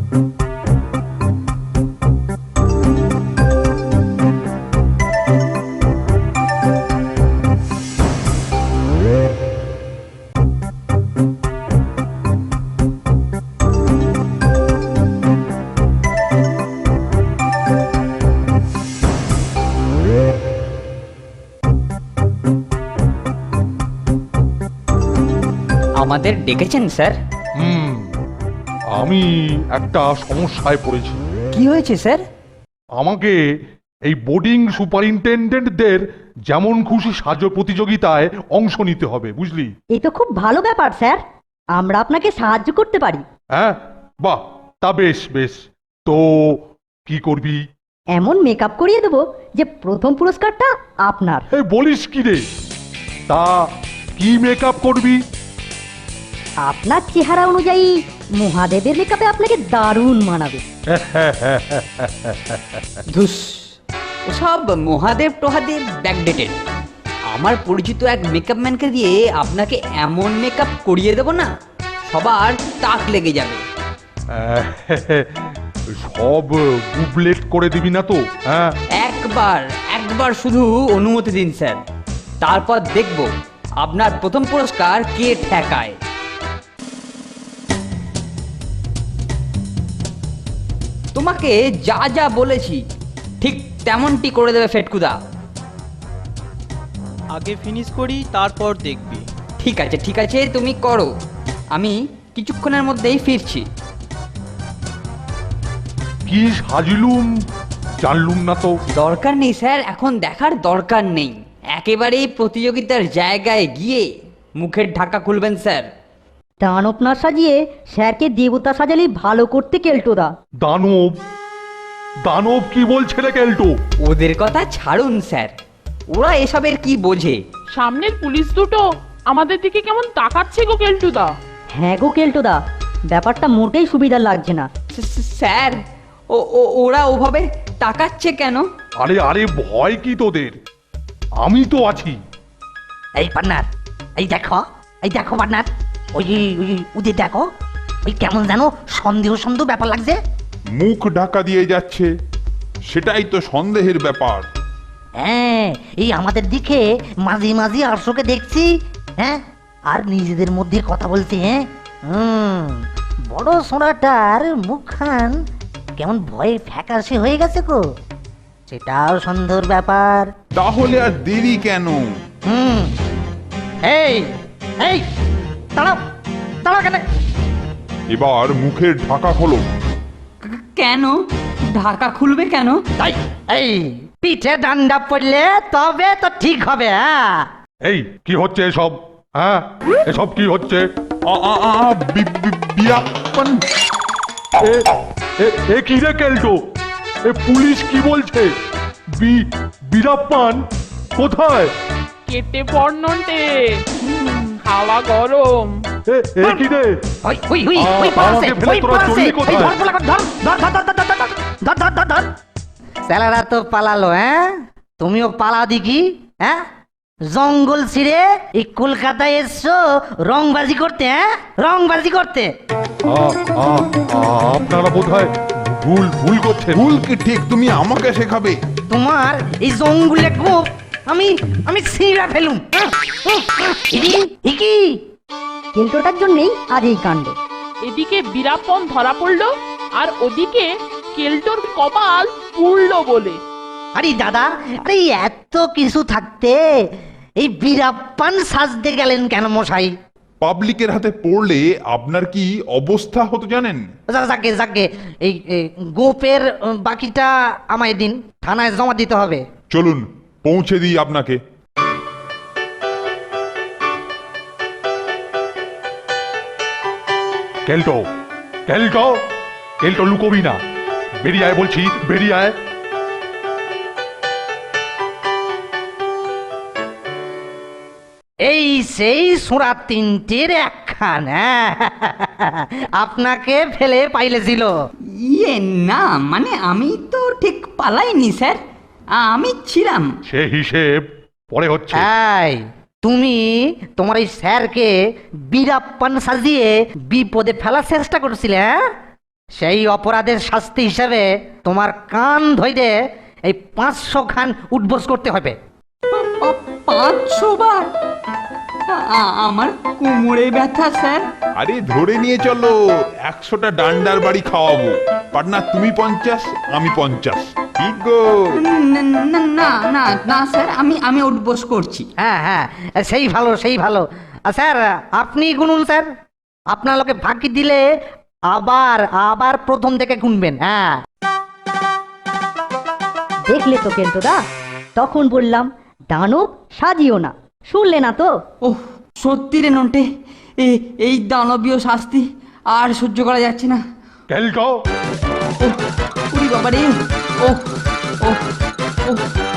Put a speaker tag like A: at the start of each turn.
A: আমাদের ডেকেছেন স্যার?
B: আমি একটা সমস্যায় পড়েছি।
A: কি হয়েছে স্যার?
B: আমাকে এই বোর্ডিং সুপারিনটেন্ডেন্টদের যেমন খুশি সাজো প্রতিযোগিতায় অংশ নিতে হবে, বুঝলি?
C: এই তো খুব ভালো ব্যাপার স্যার, আমরা আপনাকে সাহায্য করতে পারি।
B: হ্যাঁ, বাহ, তা বেশ বেশ। তো কি করবি?
C: এমন মেকআপ করিয়ে দেবো যে প্রথম পুরস্কারটা আপনার।
B: বলিস কি রে? তা কি মেকআপ করবি?
C: আপনার চেহারা অনুযায়ী মহাদেবের মেকআপে আপনাকে দারুণ মানাবে।
A: ধুস, ওসব মহাদেব টহাদেব ব্যাকডেটেড। আমার পরিচিত এক মেকআপ ম্যানকে দিয়ে আপনাকে এমন মেকআপ করিয়ে দেব না, সবার তাক লেগে যাবে।
B: সব গুবলেট করে দিবি না তো? হ্যাঁ,
A: একবার শুধু অনুমতি দিন স্যার, তারপর দেখব আপনার প্রথম পুরস্কার কে ঠেকায়। তোমাকে যা যা বলেছি ঠিক তেমনটি করে দেবে ফেটকুদা।
D: আগে ফিনিশ করি, তারপর দেখবি।
A: ঠিক আছে তুমি করো, আমি কিছুক্ষণের মধ্যেই ফিরছি।
B: কি সাজিলুম জানলুম না তো।
A: দরকার নেই স্যার, এখন দেখার দরকার নেই। একেবারেই প্রতিযোগিতার জায়গায় গিয়ে মুখের ঢাকা খুলবেন স্যার।
C: দানব না সাজিয়ে স্যারকে দেবতা সাজালেই ভালো করতে কেল্টোদা।
B: দানব? দানব কি বলছে রে কেল্টো?
A: ওদের কথা ছাড়ুন স্যার, ওরা এসবের কি বোঝে।
E: সামনের পুলিশ দুটো আমাদের দিকে কেমন তাকাচ্ছে গো কেলটুদা।
C: হ্যাঁ গো কেল্টোদা, ব্যাপারটা মোটেই সুবিধা লাগছে না।
A: স্যার, ওরা ওভাবে তাকাচ্ছে কেন?
B: আরে আরে, ভয় কি তোদের? আমি তো আছি।
F: এই পার্টনার, এই দেখো পার্টনার, ওই ওদের দেখো, ওই কেমন যেন সন্দেহ সন্দেহ ব্যাপার লাগছে।
G: মুখ ঢাকা দিয়ে যাচ্ছে, সেটাই তো সন্দেহের ব্যাপার।
F: হ্যাঁ, এই আমাদের দিকে মাঝে মাঝে আরশোকে দেখছি, হ্যাঁ, আর নিজেদের মধ্যে কথা বলতে। হ্যাঁ, বড় সোনাটার মুখখান কেমন ভয়ে ফ্যাকাশে হয়ে গেছে গো, সেটাও সন্দেহের ব্যাপার।
G: তাহলে আর দেরি কেন?
F: এই এই দাঁড়াও দাঁড়াও কেন?
G: এবার মুখের ঢাকা খোলো।
A: কেন ঢাকা খুলবে কেন?
F: তাই এই পিঠে ডান্ডা পড়লে তবে তো ঠিক হবে। হ্যাঁ,
B: এই কি হচ্ছে এসব? হ্যাঁ, এসব কি হচ্ছে?
G: বিয়াপন।
B: এ কি রে কেল্টো? পুলিশ কি বলছে? বীরাপ্পান কোথায়?
E: কেটে পড়নটে, হাওয়া গরম।
B: এ কি রে?
F: ওই ওই ওই ওই পাশে,
B: আমাকে ফেলে
F: ওই
B: তোরা
F: পাশে,
B: চললি কোথায়?
F: এই ধর পোলা, ধর ধর ধর ধর ধর ধর ধর ধর ধর। স্যালারা তো পালালো। হ্যাঁ, তুমিও পালাও দেখি। হ্যাঁ, জঙ্গল ছিঁড়ে এই কলকাতায় এসছো রংবাজি করতে। হ্যাঁ, রংবাজি করতে।
B: আপনারা বোধহয় ভুল করছেন।
G: ভুল কি ঠিক তুমি আমাকে শেখাবে?
F: তোমার এই জঙ্গলে গোপ আমি আমি ছিঁড়া ফেলুম। কি
C: কেল্টোটার জন্যেই আজ এই কাণ্ড।
E: এদিকে বীরাপন ধরা পড়লো, আর ওদিকে কেলটোর কপাল পুড়লো বলে।
F: আরে দাদা, আরে এত কিছু থাকতে এই বীরাপ্পান সাজতে গেলেন কেন মশাই?
G: পাবলিকের হাতে পড়লে আপনার কি অবস্থা হতো জানেন?
F: যাকে যাকে এই গোপের বাকিটা আমায় দিন, থানায় জমা দিতে হবে।
G: চলুন পৌঁছে দিই আপনাকে।
B: কেল্টো কেল্টো কেল্টো, লুকোবি না, বেরিয়ে আয় বলছি, বেরিয়ে আয়।
F: এই সেই সুরা তিনটির একখান। আপনাকে ফেলে পাইলেছিল।
A: ইয়ে না, মানে আমি তো ঠিক পালাইনি স্যার, আমি ছিলাম।
B: সে হিসেব পরে হচ্ছে।
F: এই তুমি তোমার এই স্যারকে বীরাপ্পান সাজিয়ে বিপদে ফেলার চেষ্টা করছিলে। হ্যাঁ, সেই অপরাধের শাস্তি হিসেবে তোমার কান ধইরে এই 500 খান উঠবোস করতে হবে।
A: 500 বার? আমার কোমরে ব্যথা স্যার।
G: আরে ধরে নিয়ে চলো, 100টা ডান্ডার বাড়ি খাওয়াবো। পার্টনার তুমি 50, আমি 50। ঠিক গো?
A: না না না না না স্যার, আমি উঠবোস করছি।
F: হ্যাঁ হ্যাঁ, সেই ভালো সেই ভালো। স্যার আপনি গুনুন স্যার, আপনার লোকে ফাঁকি দিলে আবার আবার প্রথম থেকে গুনবেন। হ্যাঁ
C: দেখলে তো কেলটুদা, তখন বললাম দানব সাজিও না, শুনলে না তো?
A: ওহ সত্যি রে নন্টে, এই দানবীয় শাস্তি আর সহ্য করা যাচ্ছে না।
B: কেলটো,
A: ওহ উরি বাবা রে, ওহ ওহ ওহ